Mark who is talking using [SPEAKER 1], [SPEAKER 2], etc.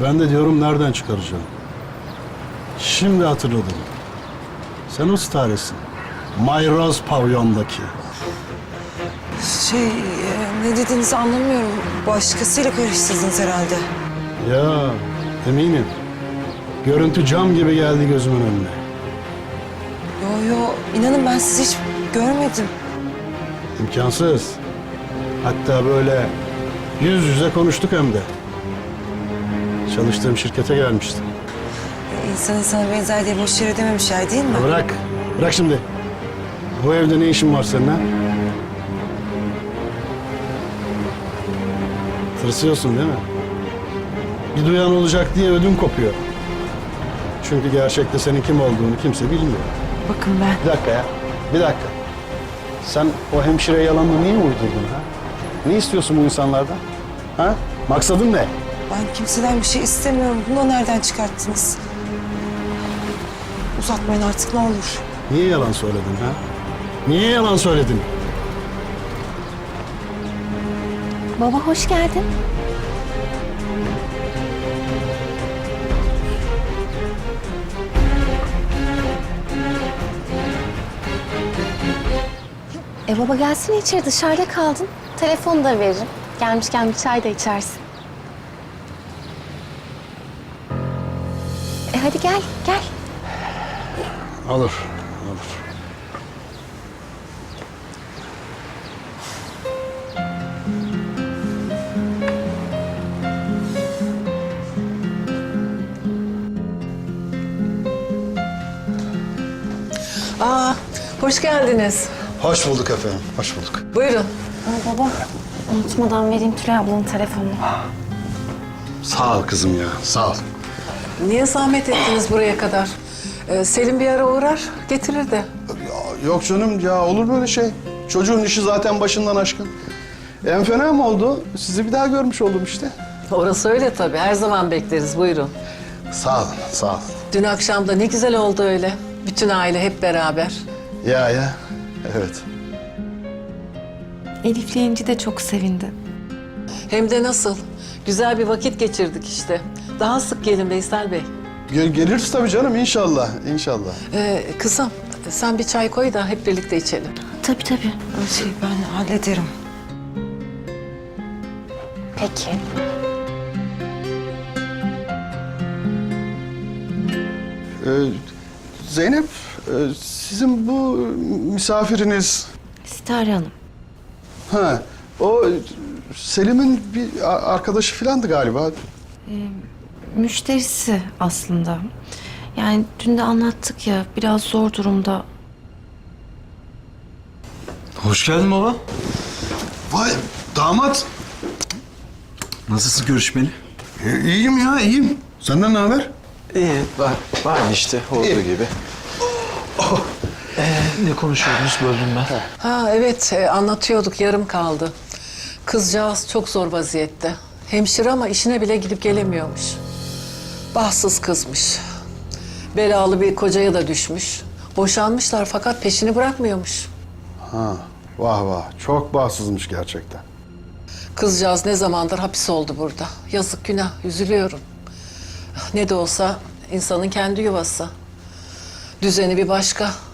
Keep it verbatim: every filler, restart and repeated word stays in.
[SPEAKER 1] Ben de diyorum nereden çıkaracağım? Şimdi hatırladım. Sen o staresin. Mayroz pavyondaki.
[SPEAKER 2] Şey, e, ne dediğinizi anlamıyorum. Başkasıyla karıştırdınız herhalde.
[SPEAKER 1] Ya eminim. Görüntü cam gibi geldi gözümün önüne.
[SPEAKER 2] Yo yo, inanın ben sizi hiç görmedim.
[SPEAKER 1] İmkansız. Hatta böyle yüz yüze konuştuk hem de. Çalıştığım şirkete gelmiştim.
[SPEAKER 2] E, İnsan insana benzer diye boş yere dememişler değil mi?
[SPEAKER 1] Ya bırak, bırak şimdi. Bu evde ne işin var senin ha? Tırsıyorsun değil mi? Bir duyan olacak diye ödüm kopuyor. Çünkü gerçekte senin kim olduğunu kimse bilmiyor.
[SPEAKER 2] Bakın ben.
[SPEAKER 1] Bir dakika ya, bir dakika. Sen o hemşire yalanını niye uydurdun ha? Ne istiyorsun bu insanlardan? Ha? Maksadın ne?
[SPEAKER 2] Ben kimseden bir şey istemiyorum. Bunu da nereden çıkarttınız? Uzatmayın artık ne olur.
[SPEAKER 1] Niye yalan söyledin ha? Niye yalan söyledin?
[SPEAKER 3] Baba hoş geldin. E baba gelsene içeri, dışarıda kaldın. Telefonu da veririm. Gelmişken bir çay da içersin. E hadi gel, gel.
[SPEAKER 1] Olur, olur.
[SPEAKER 4] Aa, hoş geldiniz.
[SPEAKER 1] Hoş bulduk efendim, hoş bulduk.
[SPEAKER 4] Buyurun.
[SPEAKER 3] Aa, baba, unutmadan vereyim Tülay ablanın telefonunu.
[SPEAKER 1] Sağ ol kızım ya, sağ ol.
[SPEAKER 4] Niye zahmet ettiniz buraya kadar? Ee, Selim bir ara uğrar, getirir de.
[SPEAKER 1] Ya, yok canım ya, olur böyle şey. Çocuğun işi zaten başından aşkın. En fena mı oldu? Sizi bir daha görmüş oldum işte.
[SPEAKER 4] Orası öyle tabii, her zaman bekleriz. Buyurun.
[SPEAKER 1] Sağ olun, sağ ol.
[SPEAKER 4] Dün akşam da ne güzel oldu öyle. Bütün aile hep beraber.
[SPEAKER 1] Ya ya, evet.
[SPEAKER 3] Elif'le İnci de çok sevindi.
[SPEAKER 4] Hem de nasıl? Güzel bir vakit geçirdik işte. Daha sık gelin Veysel Bey.
[SPEAKER 1] Gel geliriz tabii canım, inşallah, inşallah.
[SPEAKER 4] Ee, kızım, sen bir çay koy da hep birlikte içelim.
[SPEAKER 3] Tabii tabii.
[SPEAKER 2] Şey ben hallederim.
[SPEAKER 3] Peki.
[SPEAKER 1] Ee, Zeynep, e, sizin bu misafiriniz...
[SPEAKER 3] Sitare Hanım.
[SPEAKER 1] Ha, o Selim'in bir a- arkadaşı filandı galiba.
[SPEAKER 3] Müşterisi aslında. Yani dün de anlattık ya, biraz zor durumda.
[SPEAKER 5] Hoş geldin baba.
[SPEAKER 1] Vay, damat.
[SPEAKER 5] Nasılsın görüşmeli?
[SPEAKER 1] E, iyiyim ya, iyiyim. Senden ne haber?
[SPEAKER 5] İyi, var, var işte olduğu
[SPEAKER 1] İyi.
[SPEAKER 5] gibi. Ee, ne konuşuyordunuz böldüm ben.
[SPEAKER 4] Ha evet, e, anlatıyorduk, yarım kaldı. Kızcağız çok zor vaziyette. Hemşire ama işine bile gidip gelemiyormuş. Bahtsız kızmış. Belalı bir kocaya da düşmüş. Boşanmışlar fakat peşini bırakmıyormuş.
[SPEAKER 1] Ha, vah vah. Çok bahtsızmış gerçekten.
[SPEAKER 4] Kızcağız ne zamandır hapis oldu burada. Yazık günah, üzülüyorum. Ne de olsa insanın kendi yuvası. Düzeni bir başka.